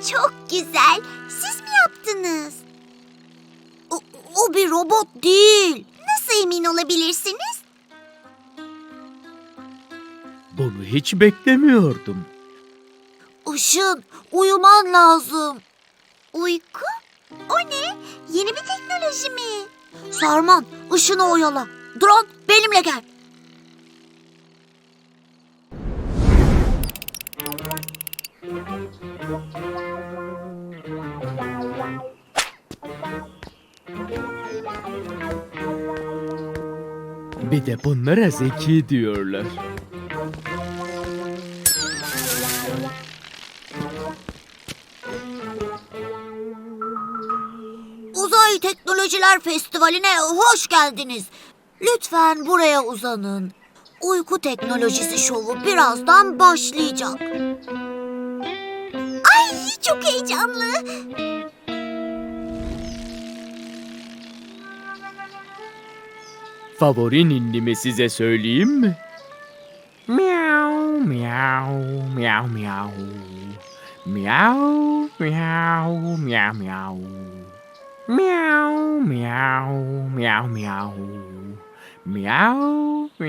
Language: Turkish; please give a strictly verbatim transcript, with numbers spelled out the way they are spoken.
Çok güzel. Siz mi yaptınız? O, o bir robot değil. Nasıl emin olabilirsiniz? Bunu hiç beklemiyordum. Işın, uyuman lazım. Uyku? O ne? Yeni bir teknoloji mi? Sarman, Işın'ı oyala. Drone, benimle gel. Bir de bunlara zeki diyorlar. Uzay Teknolojiler Festivali'ne hoş geldiniz. Lütfen buraya uzanın. Uyku teknolojisi şovu birazdan başlayacak. Ay, çok heyecanlı. Favori ninnimi size söyleyeyim mi? Miau miau miau miau. Miau miau miau miau. Miau miau miau miau. Miau